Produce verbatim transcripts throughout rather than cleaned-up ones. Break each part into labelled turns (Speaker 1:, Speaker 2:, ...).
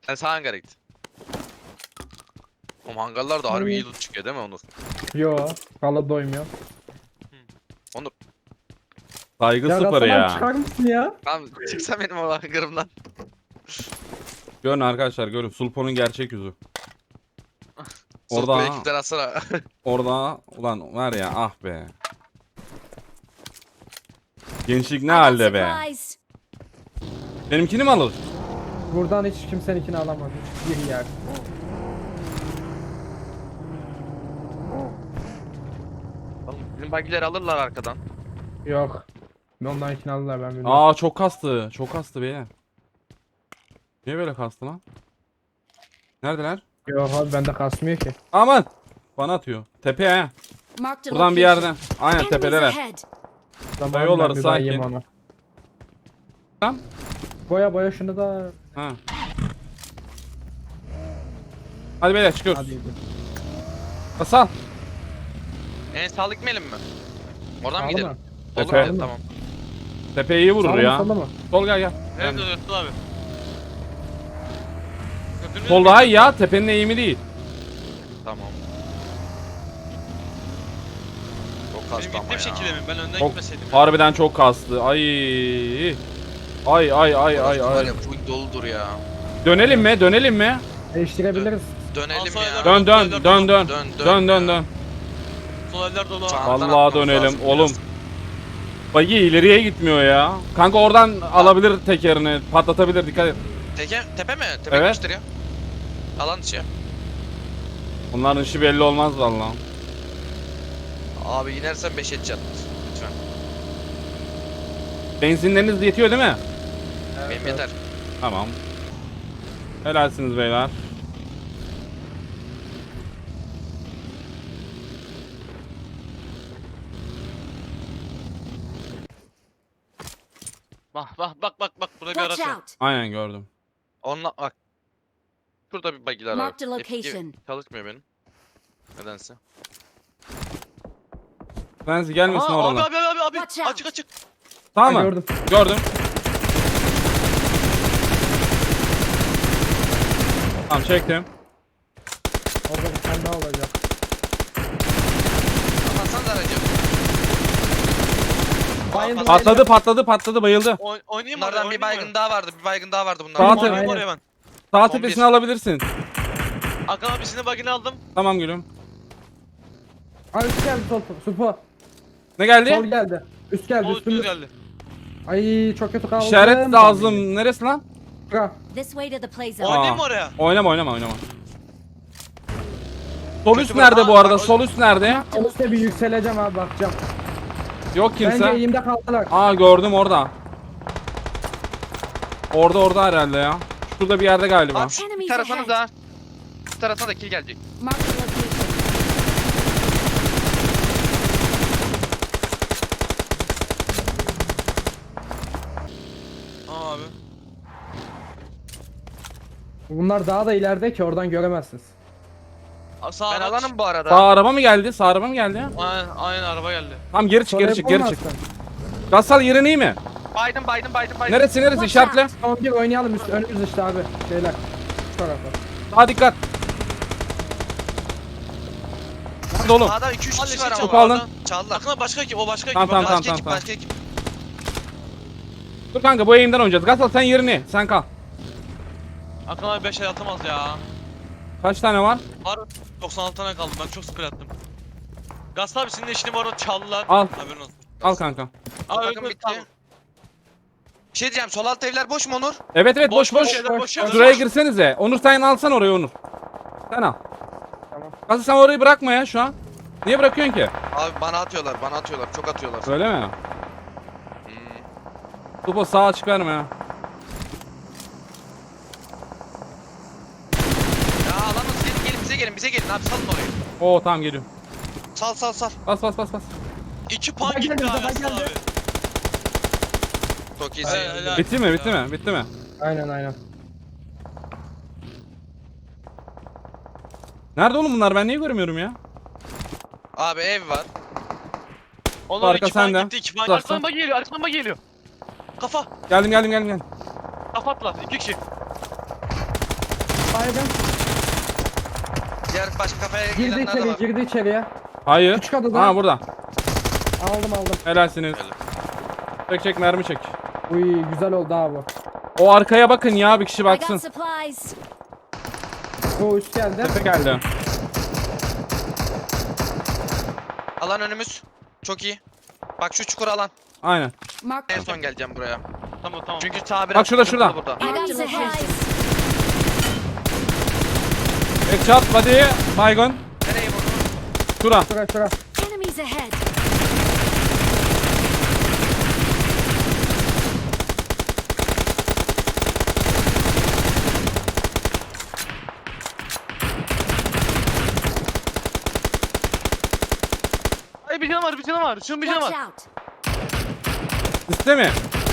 Speaker 1: Sen sağ hangara git. Oğlum hangarlar da harbi iyi loot çıkıyor değil mi Onur?
Speaker 2: Yo. Valla doymuyor.
Speaker 1: Onur.
Speaker 3: Saygı
Speaker 2: Ya
Speaker 3: sıfır
Speaker 2: Rastan abi
Speaker 3: ya.
Speaker 2: çıkar mısın ya?
Speaker 1: Tamam çıksa benim o hangarımdan.
Speaker 3: Görün arkadaşlar görün. Sulpo'nun gerçek yüzü.
Speaker 1: Orada
Speaker 3: Orada
Speaker 1: ekipten atsana.
Speaker 3: orada ulan var ya ah be. Gençlik ne
Speaker 4: I got
Speaker 3: halde be.
Speaker 4: supplies.
Speaker 3: Benimkini mi alır?
Speaker 2: Buradan hiç kimseninkini alamaz. Hiçbir yer.
Speaker 1: Oğlum bizim bagileri alırlar arkadan.
Speaker 2: Yok. Ondan ikini aldılar ben bilmiyorum.
Speaker 3: Aa çok kastı. Çok kastı beyler. Niye böyle kastı lan? Neredeler?
Speaker 2: Yok abi bende kasmıyor ki.
Speaker 3: Aman. Bana atıyor. Tepe he.
Speaker 4: Marked a
Speaker 3: Buradan bir
Speaker 4: location.
Speaker 3: yerden. Aynen
Speaker 4: Enemies
Speaker 3: tepedeler.
Speaker 4: ahead.
Speaker 2: Tamam,
Speaker 3: Yolları
Speaker 2: ben bir
Speaker 3: sakin.
Speaker 2: bayayım onu.
Speaker 3: Tamam.
Speaker 2: Boya boya şunu da.
Speaker 3: Ha. Hadi beyler çıkıyoruz.
Speaker 2: Hadi gidelim.
Speaker 3: Basal.
Speaker 1: En sağlık gitmeyelim mi? Oradan mı
Speaker 2: Sağlı
Speaker 1: gidelim?
Speaker 2: mı?
Speaker 1: Olur
Speaker 3: Tepe.
Speaker 1: mu? Tamam.
Speaker 3: Tepe iyi vurur
Speaker 2: Sağlı mı,
Speaker 3: ya.
Speaker 2: solda mı?
Speaker 3: Sol gel gel.
Speaker 5: Nerede
Speaker 3: Yani.
Speaker 5: dönüyorsun abi? Götünü
Speaker 3: Sol daha iyi ya. Tepenin eğimi değil.
Speaker 1: Tamam. Çok
Speaker 5: Benim
Speaker 1: kastı ama
Speaker 5: gittiğim
Speaker 1: ya.
Speaker 5: şekilde mi? Ben önden
Speaker 3: Çok,
Speaker 5: gitmeseydim.
Speaker 3: harbiden çok kastı. Ay. Ay ay ay ay
Speaker 1: Var
Speaker 3: ay.
Speaker 1: ya full doludur ya.
Speaker 3: Dönelim mi? Dönelim mi?
Speaker 2: Değiştirebiliriz.
Speaker 1: Dönelim
Speaker 5: Al
Speaker 1: ya.
Speaker 5: sayılar-
Speaker 3: Dön dön dön dön.
Speaker 1: Dön,
Speaker 3: Dön
Speaker 1: dön
Speaker 3: dön
Speaker 1: ya.
Speaker 3: dön.
Speaker 5: Sol eller dolu.
Speaker 1: Sağ-
Speaker 3: Vallahi
Speaker 1: atmamız
Speaker 3: dönelim
Speaker 1: lazım
Speaker 3: oğlum.
Speaker 1: biraz.
Speaker 3: Bagi ileriye gitmiyor ya. Kanka oradan alabilir tekerini. Patlatabilir dikkat et.
Speaker 1: Teke, tepe mi? Tepe
Speaker 3: Evet.
Speaker 1: gitmiştir ya. Alan dışı.
Speaker 3: Bunların işi belli olmaz vallahi.
Speaker 1: Abi inersen beş edeceksin. Lütfen.
Speaker 3: Benzinleriniz yetiyor değil mi?
Speaker 1: Benim yeter.
Speaker 3: Tamam. Helalsiniz beyler.
Speaker 5: Bak bak bak bak bak burada bir
Speaker 4: Watch
Speaker 5: araç var.
Speaker 4: out.
Speaker 3: Aynen gördüm.
Speaker 1: Onunla bak. Şurada bir bagiler var.
Speaker 4: Marked a
Speaker 1: F iki
Speaker 4: location.
Speaker 1: çalışmıyor benim. Nedense.
Speaker 3: Frenzy gelmesin
Speaker 5: Aha, abi
Speaker 3: oradan.
Speaker 5: abi abi abi
Speaker 4: Watch out.
Speaker 5: açık açık.
Speaker 3: Tamam
Speaker 2: Ha,
Speaker 3: mı?
Speaker 2: gördüm.
Speaker 3: Gördüm. Tamam çektim.
Speaker 2: Orada bir tane daha olacak.
Speaker 1: Kapatsanız aracı.
Speaker 2: Bayıldı,
Speaker 3: Patladı patladı patladı bayıldı.
Speaker 5: Oyn oynayayım
Speaker 1: Bunlardan
Speaker 5: oraya,
Speaker 1: bir
Speaker 5: oynayayım
Speaker 1: baygın
Speaker 5: oraya.
Speaker 1: daha vardı. Bir baygın daha vardı
Speaker 3: Sağ
Speaker 1: bunlardan.
Speaker 3: ol.
Speaker 5: Oynayayım
Speaker 2: Aynen.
Speaker 5: oraya ben.
Speaker 3: Sağ
Speaker 1: on
Speaker 3: tepesini
Speaker 1: bir.
Speaker 3: alabilirsin.
Speaker 5: Hakan abisinin bagini aldım.
Speaker 3: Tamam gülüm.
Speaker 2: Aa üst geldi sol. Supo.
Speaker 3: Ne geldi?
Speaker 2: Sol geldi. Üst geldi.
Speaker 5: O düz
Speaker 2: Üstümüz.
Speaker 5: geldi.
Speaker 2: Ay çok kötü kaldı.
Speaker 3: İşaret lazım. Neresi lan?
Speaker 2: Bırak.
Speaker 4: This way to the play zone.
Speaker 5: Oynayayım
Speaker 3: Aa.
Speaker 5: mı oraya?
Speaker 3: Oynama oynama oynama. Sol
Speaker 1: Kötü
Speaker 3: üst
Speaker 1: bir-
Speaker 3: nerede bu
Speaker 1: Aa,
Speaker 3: arada?
Speaker 1: bak-
Speaker 3: Sol üst nerede?
Speaker 2: O üstte bir yükseleceğim abi bakacağım.
Speaker 3: Yok
Speaker 2: Bence
Speaker 3: kimse.
Speaker 2: eğimde kaldılar.
Speaker 3: Aa gördüm orada. Orada orada herhalde ya. Şurada bir yerde galiba.
Speaker 1: At. Bir
Speaker 4: Enemies
Speaker 1: tarafına
Speaker 4: ahead.
Speaker 1: da. Bir tarafına da kill gelecek.
Speaker 4: Marked a location.
Speaker 5: Aa abi.
Speaker 2: Bunlar daha da ileride ki oradan göremezsiniz.
Speaker 5: Aa, Sağ
Speaker 1: Ben
Speaker 5: araç.
Speaker 1: alanım bu arada.
Speaker 3: Sağ araba mı geldi? Sağ araba mı geldi?
Speaker 5: Aynen, aynen araba geldi.
Speaker 3: Tamam geri çık
Speaker 2: Sol
Speaker 3: geri
Speaker 2: ev
Speaker 3: çık geri çık.
Speaker 2: olmazsın.
Speaker 3: Gassal yerin iyi mi?
Speaker 1: Biden Biden Biden Biden.
Speaker 3: Neresi neresi
Speaker 4: Watch
Speaker 3: işaretle.
Speaker 4: out.
Speaker 2: Tamam bir oynayalım üst önümüz işte abi. Şeyler. Şu tarafa.
Speaker 3: Daha dikkat. Hadi oğlum.
Speaker 1: Sağda iki üç
Speaker 5: Hadi
Speaker 1: kişi
Speaker 5: şey
Speaker 1: var ama.
Speaker 3: Topu alın.
Speaker 1: Çaldılar.
Speaker 5: Hakan abi başka ekip o başka ekip.
Speaker 3: Tamam, tamam,
Speaker 5: Hakan
Speaker 1: Başka
Speaker 5: abi.
Speaker 1: ekip
Speaker 3: tamam.
Speaker 1: başka ekip.
Speaker 3: Dur kanka bu eğimden oynayacağız. Gassal sen yerini. Sen kal.
Speaker 5: Hakan abi beş el atamaz ya.
Speaker 3: Kaç tane var?
Speaker 5: Var doksan altı tane kaldı, ben çok spray attım. Gaz abi senin eşini bu arada çaldılar.
Speaker 3: Al.
Speaker 5: Haberin olsun.
Speaker 3: Al kanka.
Speaker 5: Aa
Speaker 1: Takım
Speaker 5: öldü
Speaker 1: bitti.
Speaker 5: tamam.
Speaker 1: Bir şey diyeceğim. Sol alt evler boş mu Onur?
Speaker 3: Evet evet boş
Speaker 5: Boş,
Speaker 3: boş.
Speaker 5: boş yerler, boş yerler.
Speaker 3: Şuraya girsenize. Onur sen alsan orayı Onur. Sen al.
Speaker 2: Tamam.
Speaker 3: Gassal sen orayı bırakma ya şu an. Niye bırakıyorsun ki?
Speaker 1: Abi bana atıyorlar. Bana atıyorlar. Çok atıyorlar.
Speaker 3: Öyle mi?
Speaker 1: Hmm.
Speaker 3: Topa sağ açık verme ya.
Speaker 1: Ya alanız gelin gelin bize gelin bize gelin abi salın orayı.
Speaker 3: Oo tamam geliyorum.
Speaker 1: Sal sal sal.
Speaker 3: Bas bas bas bas.
Speaker 5: İki pan
Speaker 2: Baba
Speaker 5: gitti
Speaker 2: geldi,
Speaker 5: abi
Speaker 2: baba
Speaker 5: Hasan
Speaker 2: geldi.
Speaker 5: abi.
Speaker 1: Çok iyisin.
Speaker 5: Helal, helal.
Speaker 3: Bitti mi bitti mi bitti mi?
Speaker 2: Aynen aynen.
Speaker 3: Nerede oğlum bunlar ben niye görmüyorum ya?
Speaker 1: Abi ev var.
Speaker 5: Onlar
Speaker 3: Arka
Speaker 5: iki pan
Speaker 3: sende.
Speaker 5: gitti, iki pan.
Speaker 3: Uzaktan.
Speaker 5: Arkadan bak geliyor, arkadan bak geliyor. Kafa,
Speaker 3: Geldim geldim geldim geldim.
Speaker 5: kafa attılar, iki kişi.
Speaker 2: Baygın.
Speaker 1: Diğer başka kafaya
Speaker 2: Girdi
Speaker 1: gelenler de
Speaker 2: içeri,
Speaker 1: var.
Speaker 2: girdi içeriye.
Speaker 3: Hayır.
Speaker 2: Küçük adada.
Speaker 3: Ha burada.
Speaker 2: Aldım aldım.
Speaker 3: Helalsiniz.
Speaker 1: Helal.
Speaker 3: Çek çek mermi çek.
Speaker 2: Uy güzel oldu abi.
Speaker 3: O arkaya bakın ya, bir kişi
Speaker 4: I
Speaker 3: baksın.
Speaker 4: got supplies.
Speaker 2: O üst geldi.
Speaker 3: Tepe geldi.
Speaker 1: Alan önümüz. Çok iyi. Bak şu çukur alan.
Speaker 3: Aynen.
Speaker 4: Marked
Speaker 1: En son geleceğim buraya.
Speaker 5: Tamam tamam.
Speaker 1: Çünkü sağ biraz
Speaker 3: Bak şurada,
Speaker 1: sıkıntılı
Speaker 3: şurada.
Speaker 1: burada.
Speaker 4: I got
Speaker 2: Marked a location.
Speaker 4: supplies.
Speaker 3: Headshot body. Baygon.
Speaker 1: Nereye vurdun?
Speaker 3: Şura.
Speaker 2: Şura şura.
Speaker 4: Enemies ahead.
Speaker 5: Ay bir canım var bir canım var. Şunun bir canım
Speaker 4: Watch
Speaker 5: var.
Speaker 4: out.
Speaker 3: Siste mi?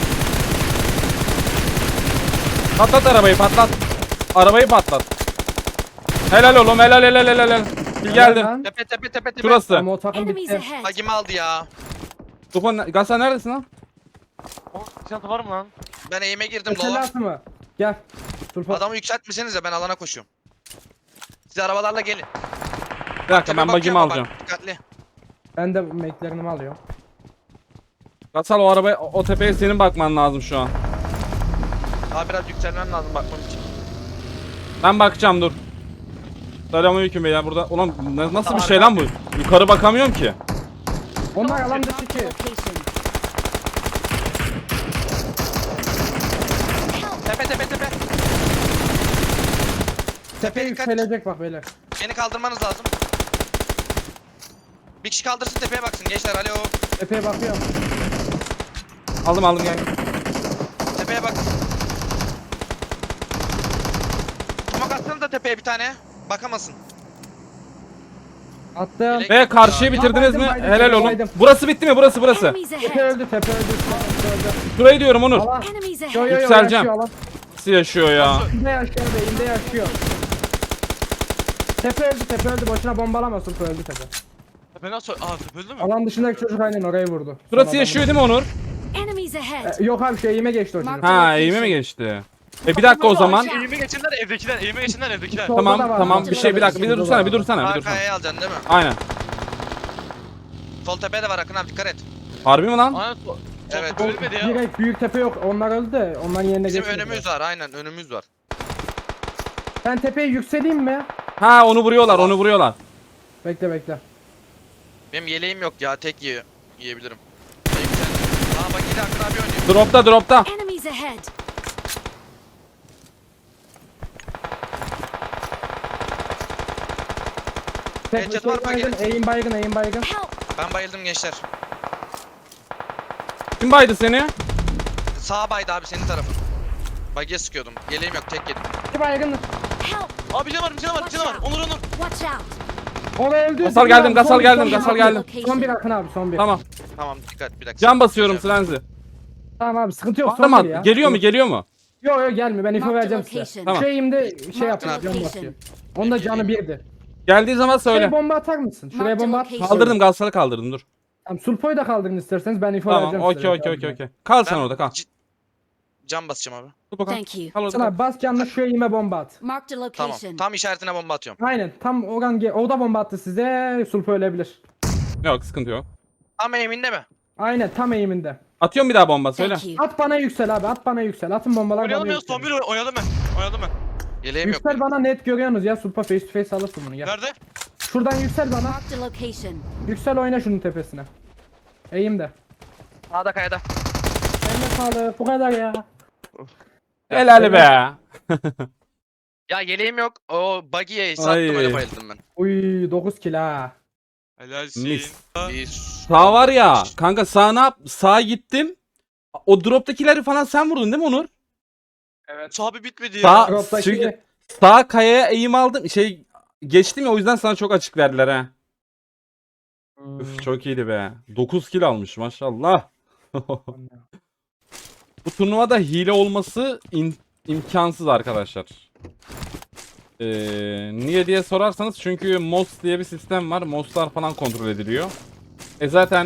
Speaker 3: Patlat arabayı, patlat. Arabayı patlat. Helal oğlum, helal helal helal helal. Bil geldi.
Speaker 2: Lan.
Speaker 1: Tepe tepe tepe tepe.
Speaker 3: Şurası.
Speaker 2: Ama o takım
Speaker 4: Enemies
Speaker 2: bitti.
Speaker 4: ahead.
Speaker 1: Hagimi aldı ya.
Speaker 3: Tufan, Gasa neredesin lan?
Speaker 5: O çanta var mı lan?
Speaker 1: Ben eğime girdim
Speaker 2: Mesela
Speaker 1: dola.
Speaker 2: atı mı? Gel. Sulfa.
Speaker 1: Adamı yükseltmesenize ben alana koşuyorum. Siz arabalarla gelin.
Speaker 3: Bir dakika,
Speaker 1: Tepe
Speaker 3: ben bagimi
Speaker 1: bakıyor ama
Speaker 3: alacağım.
Speaker 1: bak, dikkatli.
Speaker 2: Ben de meklerini alıyorum.
Speaker 3: Gasal, o arabaya, o, o tepeye senin bakman lazım şu an.
Speaker 1: Daha biraz yükselmem lazım bakmam için.
Speaker 3: Ben bakacağım, dur. Selamünaleyküm beyler burada. Ulan na- nasıl bir şey lan bu? Yukarı bakamıyorum ki.
Speaker 2: Onlar alan dışı
Speaker 4: Marked
Speaker 2: ki.
Speaker 4: a location.
Speaker 1: Tepe tepe tepe.
Speaker 2: Tepe
Speaker 1: dikkat.
Speaker 2: yükselecek bak beyler.
Speaker 1: Beni kaldırmanız lazım. Bir kişi kaldırsın tepeye baksın gençler, alo.
Speaker 2: Tepeye bakıyorum.
Speaker 3: Aldım aldım gel.
Speaker 1: Tepeye bak. Tomak atsana da tepeye bir tane. Bakamasın.
Speaker 2: Attım.
Speaker 1: Direkt-
Speaker 3: Ve karşıyı bitirdiniz
Speaker 2: Baydım,
Speaker 3: mi?
Speaker 2: baydım,
Speaker 3: Helal oğlum.
Speaker 2: baydım.
Speaker 3: Burası bitti mi? Burası burası.
Speaker 4: Enemies
Speaker 2: Tepe
Speaker 4: ahead.
Speaker 2: öldü, tepe öldü. Tepe öldü.
Speaker 3: Şurayı diyorum Onur.
Speaker 2: Alan.
Speaker 4: Enemies
Speaker 2: Yo
Speaker 4: ahead.
Speaker 2: yo yo
Speaker 3: Yükseleceğim.
Speaker 2: yaşıyor alan.
Speaker 3: Nasıl yaşıyor ya?
Speaker 2: İnde yaşıyor, beyinde yaşıyor. Tepe öldü, tepe öldü. Boşuna bombalama, Sulfa öldü tepe.
Speaker 5: Tepe nasıl? Aa tepe öldü mü?
Speaker 2: Alan dışındaki çocuk aynen orayı vurdu.
Speaker 3: Burası
Speaker 2: Son
Speaker 3: yaşıyor
Speaker 2: adamı.
Speaker 3: değil mi Onur?
Speaker 4: Enemies ahead.
Speaker 2: E, yok abi şu eğime geçti o çocuk.
Speaker 4: Mark-
Speaker 3: Ha, eğime mi geçti? E bir dakika o zaman.
Speaker 5: Eğime geçenler evdekiler. Eğime geçenler evdekiler.
Speaker 2: Solda
Speaker 3: Tamam
Speaker 2: da var.
Speaker 3: tamam bir şey, bir dakika, bir
Speaker 2: Solda da
Speaker 3: dursana,
Speaker 2: var.
Speaker 3: bir dursana, bir dursana.
Speaker 1: Arkaya alacaksın değil mi?
Speaker 3: Aynen.
Speaker 1: Sol tepede var Akın abi, dikkat et.
Speaker 3: Harbi mi lan?
Speaker 5: Aynen. so-
Speaker 1: Evet.
Speaker 5: Sol ölmedi ya.
Speaker 2: Direkt büyük tepe yok. Onlar öldü de onların yerine
Speaker 1: Bizim
Speaker 2: geçmedi.
Speaker 1: önümüz var, aynen önümüz var.
Speaker 2: Ben tepeye yükseleyim mi?
Speaker 3: Ha, onu vuruyorlar, onu vuruyorlar.
Speaker 2: Bekle bekle.
Speaker 1: Benim yeleğim yok ya, tek yiye yiyebilirim. Tek sen. Aa bak yine Akın abi oynuyor.
Speaker 3: Dropta, dropta.
Speaker 4: Enemies ahead.
Speaker 2: Tepe
Speaker 1: Headshot var mı?
Speaker 2: baygın, eğim baygın, eğim baygın.
Speaker 4: Help.
Speaker 1: Ben bayıldım gençler.
Speaker 3: Kim baydı seni?
Speaker 1: Sağ baydı abi senin tarafın. Bagiye sıkıyordum. Yeleğim yok, tek yedim.
Speaker 2: İki baygın.
Speaker 4: Help.
Speaker 5: Aa bir canım var bir canım var bir canım var. Onur Onur.
Speaker 4: Watch out.
Speaker 2: Oraya öldü.
Speaker 3: Gasal geldim, Gasal
Speaker 2: Son bir,
Speaker 3: geldim,
Speaker 2: son bir.
Speaker 3: Gasal geldim.
Speaker 2: Son bir Akın abi, son bir.
Speaker 3: Tamam.
Speaker 1: Tamam dikkat bir dakika.
Speaker 3: Can basıyorum Slenzi.
Speaker 2: Tamam abi sıkıntı yok. Son
Speaker 3: Tamam.
Speaker 2: bir ya.
Speaker 3: Geliyor mu? Geliyor mu?
Speaker 2: Yok yok gelmiyor. Ben info
Speaker 4: Marked
Speaker 2: vereceğim
Speaker 4: location.
Speaker 2: size.
Speaker 3: Tamam.
Speaker 2: Şu eğimde şey
Speaker 4: Marked
Speaker 2: yapıyor. Can
Speaker 4: location.
Speaker 2: basıyor. Onda canı birdi.
Speaker 3: Geldiği zaman söyle.
Speaker 2: Şuraya bomba atar mısın? Şuraya
Speaker 4: Marked
Speaker 2: bomba at.
Speaker 4: location.
Speaker 3: Kaldırdım, Gasal'ı kaldırdım, dur.
Speaker 2: Tamam, Sulpo'yu da kaldırın isterseniz ben info
Speaker 3: Tamam,
Speaker 2: vereceğim
Speaker 3: okey
Speaker 2: size.
Speaker 3: okey okey okey. Kal sen
Speaker 1: Ben
Speaker 3: orada, kal.
Speaker 1: c- Can basacağım abi.
Speaker 3: Dur bakalım.
Speaker 4: Thank you.
Speaker 3: Kal orada.
Speaker 2: Sana
Speaker 3: kal.
Speaker 2: bas canlı şu eğime bomba at.
Speaker 4: Marked a
Speaker 1: Tamam.
Speaker 4: location.
Speaker 1: Tam işaretine bomba atıyorum.
Speaker 2: Aynen tam oran ge- o da bomba attı size. Sulpo ölebilir.
Speaker 3: Yok, sıkıntı yok.
Speaker 1: Ama eminde mi?
Speaker 2: Aynen tam eğiminde.
Speaker 3: Atıyorum bir daha bomba, söyle.
Speaker 4: Thank you.
Speaker 2: At bana yüksel abi, at bana yüksel. Atın bombalar bana
Speaker 5: Oynayalım ya.
Speaker 2: yüksel.
Speaker 5: Son bir oy- oynadım ben. Oynadım ben.
Speaker 1: Yeleğim yok.
Speaker 2: Yüksel bana net görüyorsunuz ya. Sulpo face to face alırsın bunu gel.
Speaker 5: Nerede?
Speaker 2: Şuradan yüksel bana.
Speaker 4: Marked a location.
Speaker 2: Yüksel oyna şunun tepesine. Eğimde.
Speaker 1: Sağda kayada.
Speaker 2: Eline sağlık. Bu kadar ya.
Speaker 3: Helal be.
Speaker 1: Ya yeleğim yok. O buggy'ye
Speaker 3: Ay.
Speaker 1: sattım öyle bayıldım ben.
Speaker 2: Uy dokuz kill ha.
Speaker 5: Helalsin.
Speaker 3: Mis.
Speaker 1: Bir
Speaker 3: Sağ var ya. Kanka sağ ne yap? Sağa gittim. O droptakileri falan sen vurdun değil mi Onur?
Speaker 2: Evet.
Speaker 5: Sahibi bitmedi ya.
Speaker 3: Sağ,
Speaker 2: Drop'taki-
Speaker 3: çünkü sağ kayaya eğim aldım. Şey geçtim ya, o yüzden sana çok açık verdiler ha.
Speaker 2: Hmm.
Speaker 3: Üf, çok iyiydi be. dokuz kill almış maşallah. Bu turnuvada hile olması in- imkansız arkadaşlar. Ee, niye diye sorarsanız, çünkü M O S diye bir sistem var. M O S'lar falan kontrol ediliyor. E zaten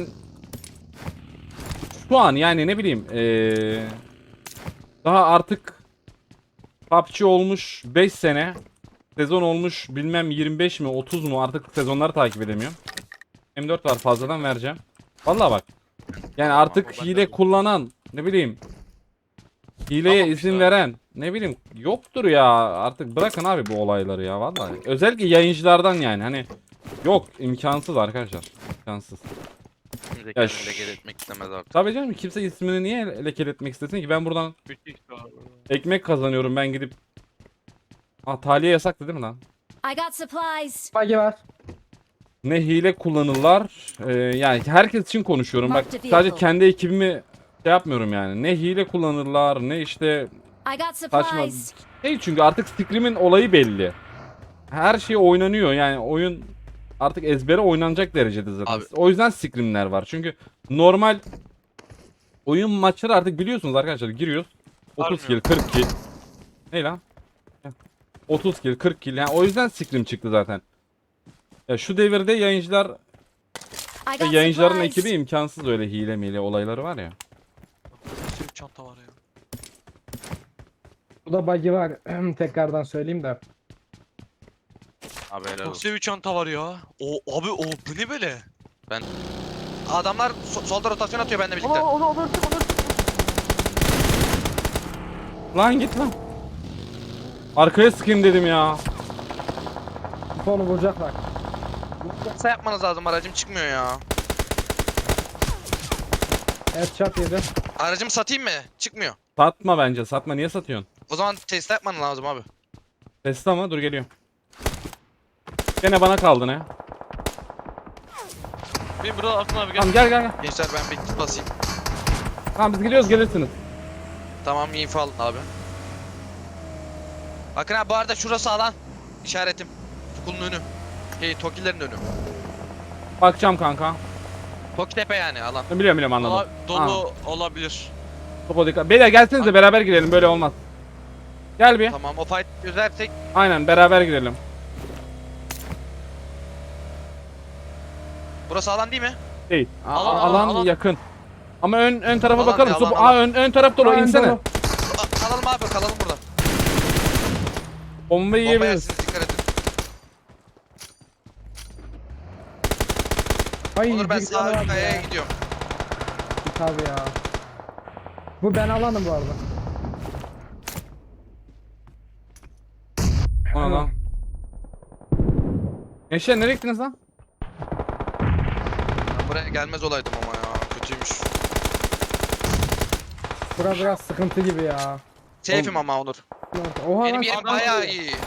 Speaker 3: şu an yani ne bileyim ee, daha artık P U B G olmuş beş sene. sezon olmuş bilmem yirmi beş mi otuz mu artık sezonları takip edemiyorum. M dört var fazladan vereceğim. Vallahi bak. Yani artık
Speaker 1: ben de
Speaker 3: hile
Speaker 1: alayım.
Speaker 3: kullanan ne bileyim hileye
Speaker 5: Tamam
Speaker 3: izin
Speaker 5: işte.
Speaker 3: veren ne bileyim yoktur ya artık bırakın abi bu olayları ya vallahi. Özellikle yayıncılardan yani hani yok imkansız arkadaşlar imkansız.
Speaker 1: Kimse
Speaker 3: Ya
Speaker 1: kendini
Speaker 3: şş.
Speaker 1: leke etmek istemez artık.
Speaker 3: Tabii canım kimse ismini niye lekeletmek istesin ki ben buradan
Speaker 5: Müthiş abi.
Speaker 3: ekmek kazanıyorum ben gidip. Aa taliye yasaktı değil mi lan?
Speaker 4: I got supplies.
Speaker 2: Bagi var.
Speaker 3: Ne hile kullanırlar ee, yani herkes için konuşuyorum bak
Speaker 4: Mark the
Speaker 3: sadece
Speaker 4: vehicle.
Speaker 3: kendi ekibimi şey yapmıyorum yani ne hile kullanırlar ne işte
Speaker 4: I got
Speaker 3: saçma
Speaker 4: supplies.
Speaker 3: şey çünkü artık Scrim'in olayı belli her şey oynanıyor yani oyun artık ezbere oynanacak derecede zaten
Speaker 1: Abi.
Speaker 3: o yüzden Scrim'ler var çünkü normal oyun maçları artık biliyorsunuz arkadaşlar giriyoruz otuz kill
Speaker 5: Sarmıyor.
Speaker 3: kırk kill ne lan otuz kill kırk kill yani o yüzden Scrim çıktı zaten ya şu devirde yayıncılar
Speaker 4: I
Speaker 3: ve
Speaker 4: got
Speaker 3: yayıncıların
Speaker 4: supplies.
Speaker 3: ekibi imkansız öyle hile mile olayları var ya.
Speaker 5: Nasıl bir çanta var ya.
Speaker 2: Burada bagi var. Tekrardan söyleyeyim de.
Speaker 1: Abi helal olsun.
Speaker 5: Nasıl bir çanta var ya. O abi o bu ne böyle?
Speaker 1: Adamlar so- solda rotasyon atıyor benimle birlikte.
Speaker 3: Lan git lan. Arkaya sıkayım dedim ya.
Speaker 2: Sonu vuracaklar.
Speaker 1: Kısa yapmanız lazım, aracım çıkmıyor ya.
Speaker 2: Headshot yedi.
Speaker 1: Aracımı satayım mı? Çıkmıyor.
Speaker 3: Satma bence satma niye satıyorsun?
Speaker 1: O zaman test yapman lazım abi.
Speaker 3: Testi ama dur geliyor. Gene bana kaldı ne?
Speaker 5: Benim burada Akın abi gel.
Speaker 3: Tamam gel gel gel.
Speaker 1: Gençler ben bir kit basayım.
Speaker 3: Tamam biz gidiyoruz gelirsiniz.
Speaker 1: Tamam info alın abi. Bakın abi bu arada şurası alan. İşaretim. Tukulun önü. Şey Tokilerin önü.
Speaker 3: Bakacağım kanka.
Speaker 1: Toki tepe yani alan.
Speaker 3: Biliyorum biliyorum anladım.
Speaker 5: Ola- dolu olabilir.
Speaker 3: Topo dikkat. Beyler gelsenize beraber girelim böyle olmaz. Gel bir.
Speaker 1: Tamam o fight çözersek
Speaker 3: Aynen beraber girelim.
Speaker 1: burası alan değil mi?
Speaker 3: Değil. A-
Speaker 5: Alan,
Speaker 3: a-
Speaker 5: alan,
Speaker 3: alan
Speaker 5: alan.
Speaker 3: yakın. Ama ön ön tarafa
Speaker 1: Alan
Speaker 3: bakalım.
Speaker 1: ya,
Speaker 3: Sup-
Speaker 1: alan,
Speaker 3: Aa
Speaker 1: alan.
Speaker 3: ön ön taraf dolu
Speaker 2: Aa, ön
Speaker 3: insene.
Speaker 2: dolu.
Speaker 1: A- kalalım abi kalalım burada.
Speaker 3: Bombayı
Speaker 1: Bomba
Speaker 3: yiyebiliriz.
Speaker 1: yersiniz dikkat edin.
Speaker 2: Ay,
Speaker 1: Onur ben
Speaker 2: bir
Speaker 1: sağ
Speaker 2: tane
Speaker 1: üst
Speaker 2: var
Speaker 1: kayaya
Speaker 2: ya.
Speaker 1: gidiyorum.
Speaker 2: Tabii ya. Bu ben alanım bu arada.
Speaker 3: Ona lan. Gençler nereye gittiniz lan?
Speaker 1: Ben buraya gelmez olaydım ama ya kötüymüş.
Speaker 2: Bura biraz sıkıntı gibi ya.
Speaker 1: Safe'im ama Onur.
Speaker 2: Oha
Speaker 1: Benim
Speaker 2: lan,
Speaker 1: yerim
Speaker 2: adam
Speaker 1: bayağı
Speaker 2: vuruyor.
Speaker 1: iyi.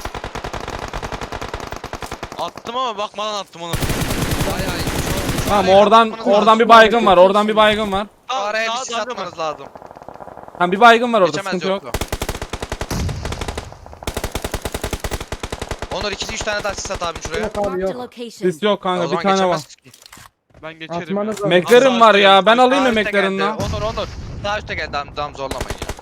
Speaker 5: Attım ama bakmadan attım onu.
Speaker 1: Bayağı iyi. Şu- şu
Speaker 3: Tamam
Speaker 1: araya
Speaker 3: oradan
Speaker 1: atmanız
Speaker 3: oradan
Speaker 1: lazım.
Speaker 3: bir baygın var. Oradan bir baygın var.
Speaker 1: Şu araya bir
Speaker 5: Daha-
Speaker 1: sis
Speaker 5: daha da
Speaker 1: atmanız lazım.
Speaker 3: Tamam bir baygın var orada
Speaker 1: Geçemez
Speaker 3: sıkıntı yok.
Speaker 1: yoktu. Onur iki üç tane daha sis at abim şuraya.
Speaker 2: Yok abi
Speaker 4: Marked a
Speaker 2: yok.
Speaker 4: location.
Speaker 3: Sis yok
Speaker 1: O
Speaker 3: kanka bir
Speaker 1: zaman
Speaker 3: tane var.
Speaker 1: geçemez ki.
Speaker 5: Ben geçerim
Speaker 2: Atmanız
Speaker 5: ya.
Speaker 2: lazım.
Speaker 3: McLaren var ya ben alayım mı
Speaker 1: Sağ üstte
Speaker 3: McLaren'ı
Speaker 1: geldi.
Speaker 3: lan?
Speaker 1: Onur Onur. Sağ üstte geldi tamam, tamam zorlamayın ya.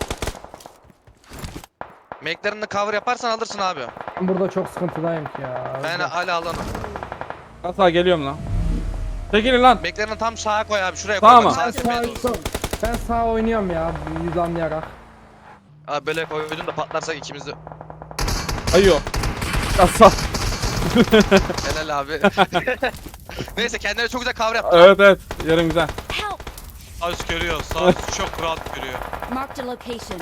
Speaker 1: McLaren'ı cover yaparsan alırsın abi.
Speaker 2: Ben burada çok sıkıntıdayım ki ya.
Speaker 1: Ben hala alanım.
Speaker 3: Nasıl geliyorum lan? Çekilin lan.
Speaker 1: McLaren'ı tam sağa koy abi şuraya
Speaker 3: Tamam.
Speaker 1: koy. Bak,
Speaker 2: Ben
Speaker 1: Sağ
Speaker 2: sağ,
Speaker 1: tepeye doğru.
Speaker 2: ben sağ oynuyorum ya yüz anlayarak.
Speaker 1: Abi böyle koydun da patlarsak ikimiz de.
Speaker 3: Ayıyor. Kasa.
Speaker 1: Helal abi. Neyse kendine çok güzel cover yaptı.
Speaker 3: Evet evet yarım güzel.
Speaker 4: Help!
Speaker 5: Sağ üst görüyor. Sağ üst çok rahat görüyor.
Speaker 4: Marked a location.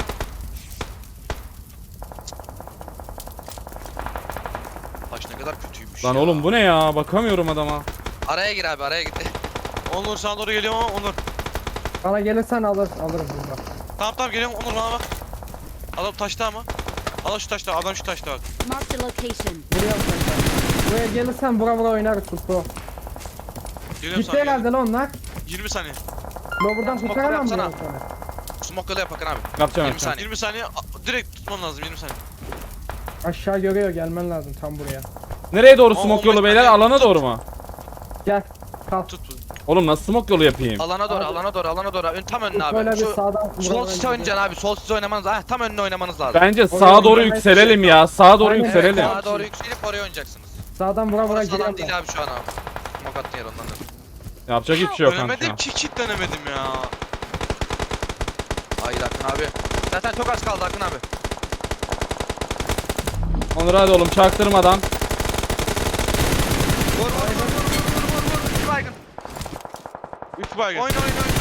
Speaker 1: Taş ne kadar kötüymüş
Speaker 3: Lan
Speaker 1: ya.
Speaker 3: oğlum bu ne ya bakamıyorum adama.
Speaker 1: Araya gir abi araya gir.
Speaker 5: Onur sana doğru geliyorum ama Onur.
Speaker 2: Bana gelirsen alır, alırım burada.
Speaker 5: Tamam tamam geliyorum Onur bana bak. Adam taşta ama. Adam şu taşta, adam şu taşta bak.
Speaker 4: Marked a location.
Speaker 2: Vuruyorum seni. Buraya gelirsen bura bura oynarız futbol.
Speaker 5: Geliyorum
Speaker 2: Gitti
Speaker 5: sana.
Speaker 2: herhalde
Speaker 5: geliyorum.
Speaker 2: lan onlar.
Speaker 5: yirmi saniye.
Speaker 2: Ben buradan
Speaker 1: Smoke
Speaker 2: kurtaramam
Speaker 1: yapsana.
Speaker 2: diyorum sana.
Speaker 1: Smoke yolu yap Hakan abi.
Speaker 3: Yapacağım
Speaker 1: yirmi
Speaker 3: yapacağım.
Speaker 1: saniye.
Speaker 5: yirmi saniye. a- Direkt tutman lazım yirmi saniye.
Speaker 2: Aşağı görüyor gelmen lazım tam buraya.
Speaker 3: Nereye doğru
Speaker 5: Aa,
Speaker 3: smoke
Speaker 5: on
Speaker 3: yolu
Speaker 5: beş
Speaker 3: beyler
Speaker 5: saniye.
Speaker 3: alana
Speaker 5: Tut.
Speaker 3: doğru mu?
Speaker 2: Gel. Kalk.
Speaker 5: Tut bunu.
Speaker 3: Oğlum nasıl smoke yolu yapayım?
Speaker 1: Alana doğru
Speaker 2: Abi.
Speaker 1: alana doğru alana doğru. Ön, tam önüne
Speaker 2: Böyle
Speaker 1: abi.
Speaker 2: bir
Speaker 1: Şu
Speaker 2: sağdan.
Speaker 1: sol size oynayacaksın abi. Sol size oynamanız lazım. Tam önüne oynamanız lazım.
Speaker 3: Bence
Speaker 2: Oraya
Speaker 3: sağa doğru
Speaker 2: oynamaya
Speaker 3: yükselelim ya. Sağa doğru
Speaker 2: Aynen,
Speaker 3: yükselelim.
Speaker 2: evet.
Speaker 1: Sağa doğru yükselip oraya oynayacaksınız.
Speaker 2: Sağdan vura vura
Speaker 1: Orası alan
Speaker 2: giriyorum
Speaker 1: değil
Speaker 2: ben.
Speaker 1: abi şu an abi. Smoke attın yer ondan da.
Speaker 3: Yapacak hiçbir şey yok kanka.
Speaker 5: Dönemedim ki kitlenemedim ya.
Speaker 1: Hayır Akın abi. Zaten çok az kaldı Akın abi.
Speaker 3: Onur hadi oğlum çaktırmadan.
Speaker 1: Vur vur vur vur vur vur vur vur. İki baygın.
Speaker 5: üç baygın.
Speaker 1: Oyna oyna oyna.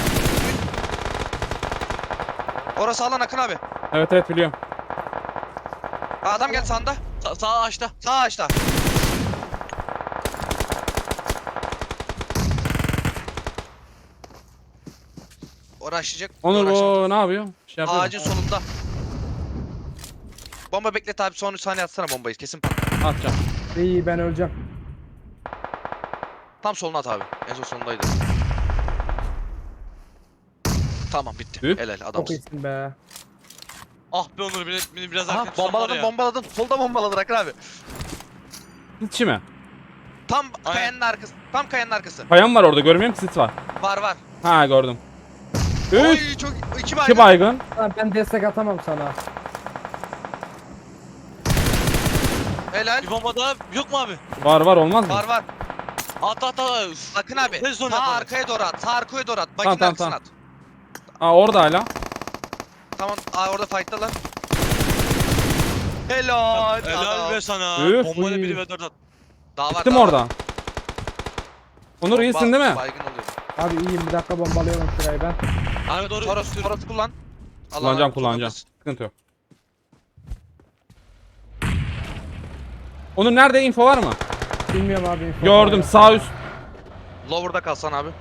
Speaker 1: Orası alan Akın abi.
Speaker 3: Evet evet biliyorum.
Speaker 1: Ha, adam geldi sağında.
Speaker 5: Sa sağ açta.
Speaker 1: Sağ ağaçta. Uğraşacak.
Speaker 3: Onur
Speaker 1: uğraşamaz.
Speaker 3: bu ne yapıyor? Bir şey yapıyor mu?
Speaker 1: Ağacın solunda. Bomba beklet abi, son üç saniye atsana bombayı, kesin patlar.
Speaker 3: Atacağım.
Speaker 2: İyi ben öleceğim.
Speaker 1: Tam soluna at abi. En son solundaydı. Tamam bitti.
Speaker 3: Üf.
Speaker 1: Helal
Speaker 2: Çok
Speaker 1: adamsın.
Speaker 2: iyisin be.
Speaker 5: Ah be Onur beni, beni biraz
Speaker 1: Aha
Speaker 5: erken tutan var
Speaker 1: bombaladın
Speaker 5: ya.
Speaker 1: bombaladın. Solda bombaladın Akın abi.
Speaker 3: İçi mi?
Speaker 1: Tam
Speaker 5: Aynen.
Speaker 1: kayanın arkası. Tam kayanın arkası.
Speaker 3: Kayan var orada görmüyor musun? Sit var.
Speaker 1: Var var.
Speaker 3: Ha gördüm. Üç.
Speaker 1: Oy çok iki baygın.
Speaker 3: İki baygın.
Speaker 2: Lan ben destek atamam sana.
Speaker 1: Helal.
Speaker 5: Bir bomba daha yok mu abi?
Speaker 3: Var var olmaz mı?
Speaker 1: Var var.
Speaker 5: At at at. Üf.
Speaker 1: Akın abi.
Speaker 5: Ne zor
Speaker 1: Sağ
Speaker 5: yapalım?
Speaker 1: arkaya doğru at. Sağ arkaya doğru at. Bakın
Speaker 3: Tamam, tamam,
Speaker 1: arkasına
Speaker 3: tamam.
Speaker 1: at.
Speaker 3: Ha orada hala.
Speaker 1: Tamam. Aa orada fight'talar. Helal.
Speaker 5: Helal
Speaker 1: Adam.
Speaker 5: be sana.
Speaker 3: Üf.
Speaker 5: Bombayla
Speaker 2: Uy.
Speaker 5: biri ve dört at.
Speaker 1: Daha var.
Speaker 3: Gittim
Speaker 1: daha var.
Speaker 3: orada. Onur
Speaker 1: Bomba
Speaker 3: iyisin değil mi?
Speaker 1: Baygın oluyor.
Speaker 2: Abi iyiyim, bir dakika bombalıyorum şurayı ben.
Speaker 5: Abi doğru.
Speaker 1: Toros, Toros kullan. Allah
Speaker 3: Kullanacağım
Speaker 1: Allah,
Speaker 3: kullanacağım.
Speaker 1: Toros.
Speaker 3: Sıkıntı yok. Onur nerede, info var mı?
Speaker 2: Bilmiyorum abi. info
Speaker 3: Gördüm
Speaker 2: var.
Speaker 3: sağ üst.
Speaker 1: Lower'da kalsan abi.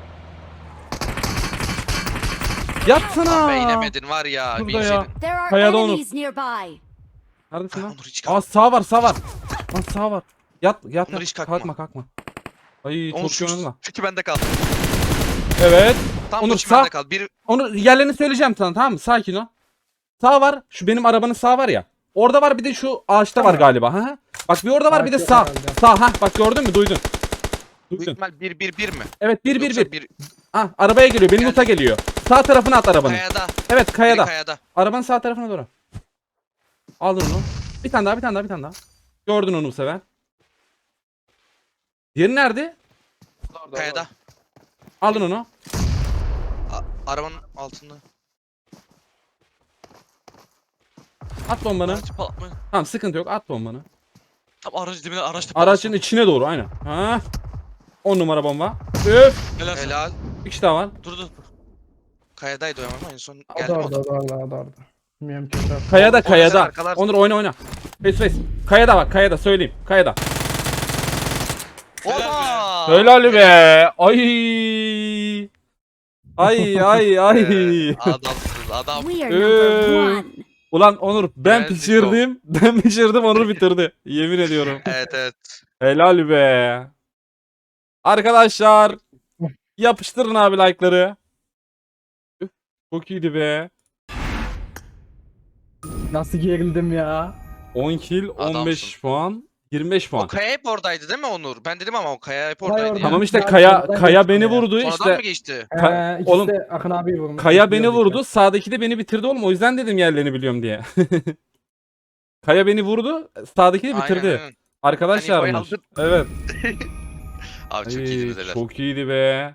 Speaker 3: Yatsana.
Speaker 1: Be inemedin var ya.
Speaker 3: Şurada
Speaker 1: Bir
Speaker 3: ya.
Speaker 1: şeydin.
Speaker 4: There are
Speaker 3: Kayada Onur.
Speaker 4: enemies nearby.
Speaker 3: Neredesin lan?
Speaker 1: Onur hiç
Speaker 3: Aa
Speaker 1: kalkma.
Speaker 3: sağ var sağ var. Lan sağ var. Yat yat.
Speaker 1: Onur
Speaker 3: yat.
Speaker 1: hiç kalkma.
Speaker 3: Kalkma kalkma. Ay
Speaker 1: Onur
Speaker 3: çok
Speaker 1: şu,
Speaker 3: iyi oynadın lan.
Speaker 1: şu bende kal.
Speaker 3: Evet.
Speaker 1: Tam
Speaker 3: Onur,
Speaker 1: Onur
Speaker 3: sağ-
Speaker 1: bende kal. Bir
Speaker 3: Onu yerlerini söyleyeceğim sana, tamam mı? Sakin ol. Sağ var. Şu benim arabanın sağ var ya. Orada var, bir de şu ağaçta var galiba. Ha? Bak bir orada var, bir de
Speaker 2: Ağaç yok
Speaker 3: sağ.
Speaker 2: herhalde.
Speaker 3: Sağ ha, bak gördün mü? Duydun.
Speaker 1: büyük
Speaker 3: Duydun.
Speaker 1: ihtimal bir bir bir mi?
Speaker 3: Evet bir bir
Speaker 1: Yoksa
Speaker 3: bir. Ah arabaya geliyor. Benim
Speaker 1: Geldi.
Speaker 3: loot'a geliyor. Sağ tarafına at arabanı.
Speaker 1: Kayada.
Speaker 3: Evet
Speaker 1: Biri
Speaker 3: kayada.
Speaker 1: kayada.
Speaker 3: Arabanın sağ tarafına doğru. Aldın onu. Bir tane daha, bir tane daha, bir tane daha. Gördün onu bu sefer. Diğeri nerede?
Speaker 1: Kayada.
Speaker 3: Aldın onu.
Speaker 1: A- arabanın altında.
Speaker 3: At bombanı.
Speaker 5: Araç patlatmayın.
Speaker 3: Tamam sıkıntı yok. At bombanı.
Speaker 5: Tam aracın dibine araçta
Speaker 3: Aracın içine doğru aynen. Ha. on numara bomba. Üf.
Speaker 5: Helal. Helal.
Speaker 1: Helal.
Speaker 3: Bir kişi daha var.
Speaker 5: Dur dur.
Speaker 1: Kayadaydı o ama en son
Speaker 2: O
Speaker 1: geldi
Speaker 2: da
Speaker 1: mi?
Speaker 2: orada, o da orada, o da orada. Bilmiyorum ki. o da-
Speaker 3: Kayada
Speaker 1: O- o
Speaker 3: kayada.
Speaker 1: güzel arkalar-
Speaker 3: Onur oyna oyna. Face face. Kayada bak, kayada söyleyeyim. Kayada.
Speaker 1: Oha!
Speaker 3: Helal be. Ay. Ay ay ay.
Speaker 1: Ee, adamsın adam.
Speaker 4: We are number
Speaker 3: Ee,
Speaker 4: one.
Speaker 3: Ulan Onur ben
Speaker 1: Geldik
Speaker 3: pişirdim. Ben pişirdim, Onur bitirdi. Yemin ediyorum.
Speaker 1: Evet evet.
Speaker 3: Helal be. Arkadaşlar yapıştırın abi like'ları. Üf, çok iyiydi be.
Speaker 2: Nasıl gerildim ya.
Speaker 3: on kill, on beş
Speaker 1: Adamsın.
Speaker 3: puan, yirmi beş
Speaker 1: O
Speaker 3: puan.
Speaker 1: kaya hep oradaydı değil mi Onur? Ben dedim ama o kaya hep
Speaker 2: Kaya
Speaker 1: oradaydı
Speaker 2: orada.
Speaker 1: ya.
Speaker 3: Tamam işte
Speaker 2: Ben
Speaker 3: Kaya
Speaker 2: sonradan
Speaker 3: Kaya
Speaker 2: geçtim
Speaker 3: beni
Speaker 2: ya.
Speaker 3: vurdu
Speaker 1: Sonradan
Speaker 3: işte.
Speaker 1: mı geçti?
Speaker 3: Ka-
Speaker 2: Ee, ikisi
Speaker 3: oğlum,
Speaker 2: de Akın abi vurmuş.
Speaker 3: Kaya beni
Speaker 2: Biliyorum
Speaker 3: vurdu. Sağdaki de beni bitirdi oğlum. O yüzden dedim yerlerini biliyorum diye. Kaya beni vurdu. Sağdaki de bitirdi.
Speaker 1: Aynen, aynen.
Speaker 3: Arkadaşlarmış.
Speaker 1: Hani bayıldı.
Speaker 3: Evet.
Speaker 1: Abi çok
Speaker 3: Ay,
Speaker 1: iyiydi bedeler.
Speaker 3: çok iyiydi be.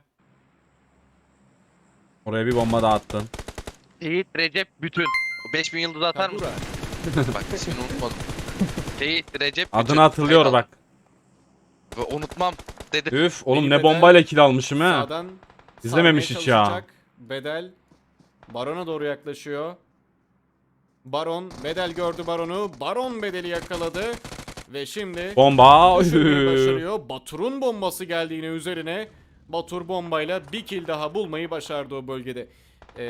Speaker 3: Oraya bir bomba daha attın.
Speaker 1: Seyit Recep Bütün. O beş bin yıldız atar mısın? Bak ismini unutmadım. Seyit Recep Bütün.
Speaker 3: Adını hatırlıyor
Speaker 1: Kayıt
Speaker 3: bak.
Speaker 1: al. Ve unutmam dedi.
Speaker 3: Üf oğlum
Speaker 6: Peki
Speaker 3: ne
Speaker 6: bedel-
Speaker 3: bombayla kill almışım ha.
Speaker 6: Sağdan
Speaker 3: İzlememiş
Speaker 6: sarmaya
Speaker 3: hiç ya.
Speaker 6: çalışacak. Bedel Baron'a doğru yaklaşıyor. Baron, Bedel gördü Baron'u. Baron Bedel'i yakaladı. Ve şimdi
Speaker 3: Bomba.
Speaker 6: düşürmeyi
Speaker 3: Üf.
Speaker 6: başarıyor. Batur'un bombası geldi yine üzerine. Batur bombayla bir kill daha bulmayı başardı o bölgede. Ee...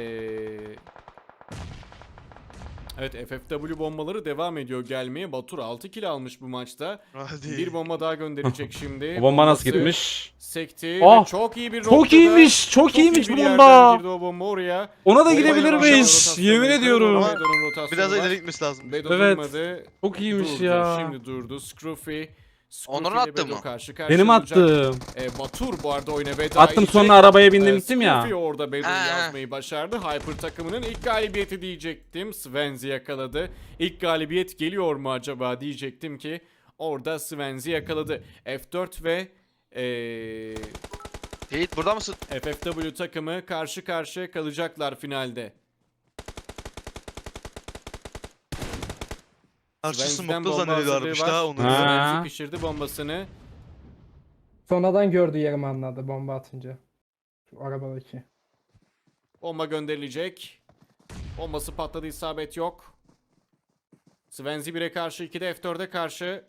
Speaker 6: Evet F F W bombaları devam ediyor gelmeye. Batur altı kill almış bu maçta.
Speaker 1: Hadi.
Speaker 6: Bir bomba daha gönderecek şimdi.
Speaker 3: O bomba nasıl
Speaker 6: Bombası
Speaker 3: gitmiş?
Speaker 6: Sekti
Speaker 3: Ah,
Speaker 6: ve çok iyi bir
Speaker 3: Çok
Speaker 6: noktada-
Speaker 3: iyiymiş. Çok,
Speaker 6: çok iyi
Speaker 3: iyiymiş
Speaker 6: bir
Speaker 3: bu
Speaker 6: yerden
Speaker 3: bomba.
Speaker 6: girdi o bomba oraya.
Speaker 3: Ona da
Speaker 6: Bombayı
Speaker 3: gidebilirmiş.
Speaker 6: rotasyonu
Speaker 3: Yemin
Speaker 6: yukarı
Speaker 3: ediyorum.
Speaker 6: doğru Bedo'nun rotasyonu
Speaker 1: Biraz
Speaker 6: var.
Speaker 1: ileri gitmesi lazım.
Speaker 6: Bedo
Speaker 3: Evet.
Speaker 6: durmadı.
Speaker 3: Çok iyiymiş
Speaker 6: Durdu.
Speaker 3: ya.
Speaker 6: Şimdi durdu. Scruffy. Scruffy
Speaker 1: Onur'un
Speaker 6: ile
Speaker 1: attı
Speaker 6: Bedo
Speaker 1: mı?
Speaker 6: Karşı karşıya
Speaker 3: Benim
Speaker 6: olacak.
Speaker 3: attım.
Speaker 6: E, Batur bu arada oyuna veda
Speaker 3: Attım
Speaker 6: edecek.
Speaker 3: sonra arabaya bindim
Speaker 6: E,
Speaker 3: gittim ya.
Speaker 6: Scruffy orada Bedo'yu
Speaker 1: Ha.
Speaker 6: yazmayı başardı. Hyper takımının ilk galibiyeti diyecektim. Svenzi yakaladı. İlk galibiyet geliyor mu acaba diyecektim ki orada Svenzi yakaladı. F dört ve eee
Speaker 1: Seyit burada mısın?
Speaker 6: F F W takımı karşı karşıya kalacaklar finalde.
Speaker 5: Karşı
Speaker 6: Svenzi'den
Speaker 5: smoke'da
Speaker 6: bomba
Speaker 5: zannediyorlarmış
Speaker 6: hazırlığı
Speaker 5: daha
Speaker 6: var.
Speaker 5: onu.
Speaker 3: Ha.
Speaker 6: Svenzi pişirdi bombasını.
Speaker 2: Sonradan gördüğü yerimi anladı bomba atınca. Şu arabadaki.
Speaker 6: Bomba gönderilecek. Bombası patladı, isabet yok. Svenzi bire karşı, ikide F dörde karşı.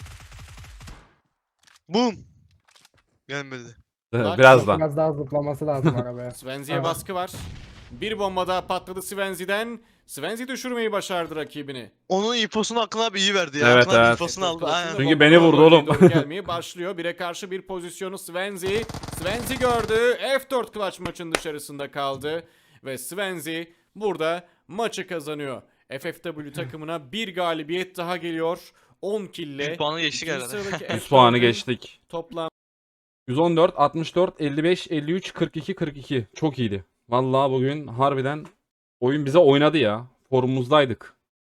Speaker 5: Boom. Gelmedi.
Speaker 3: Birazdan.
Speaker 2: Biraz daha zıplaması lazım arabaya.
Speaker 6: Svenzi'ye
Speaker 2: Tamam.
Speaker 6: baskı var. Bir bomba daha patladı Svenzi'den. Svenzi düşürmeyi başardı rakibini.
Speaker 5: Onun infosunu Akın abi iyi verdi ya.
Speaker 3: Evet,
Speaker 5: Akın abi
Speaker 3: evet.
Speaker 5: infosunu aldı. Aynen.
Speaker 3: Çünkü
Speaker 6: Bomba
Speaker 3: beni vurdu
Speaker 6: bölgeye
Speaker 3: oğlum.
Speaker 6: doğru gelmeye başlıyor. Bire karşı bir pozisyonu Svenzi. Svenzi gördü. F dört clutch maçın dışarısında kaldı. Ve Svenzi burada maçı kazanıyor. F F W takımına bir galibiyet daha geliyor. on kille.
Speaker 5: Bir puanı geçtik
Speaker 6: ikinci
Speaker 5: herhalde.
Speaker 6: sıradaki
Speaker 3: yüz
Speaker 6: F
Speaker 3: puanı
Speaker 6: dört'ün
Speaker 3: geçtik.
Speaker 6: Toplam
Speaker 3: yüz on dört, altmış dört, elli beş, elli üç, kırk iki, kırk iki. Çok iyiydi. Vallahi bugün harbiden oyun bize oynadı ya. Formumuzdaydık.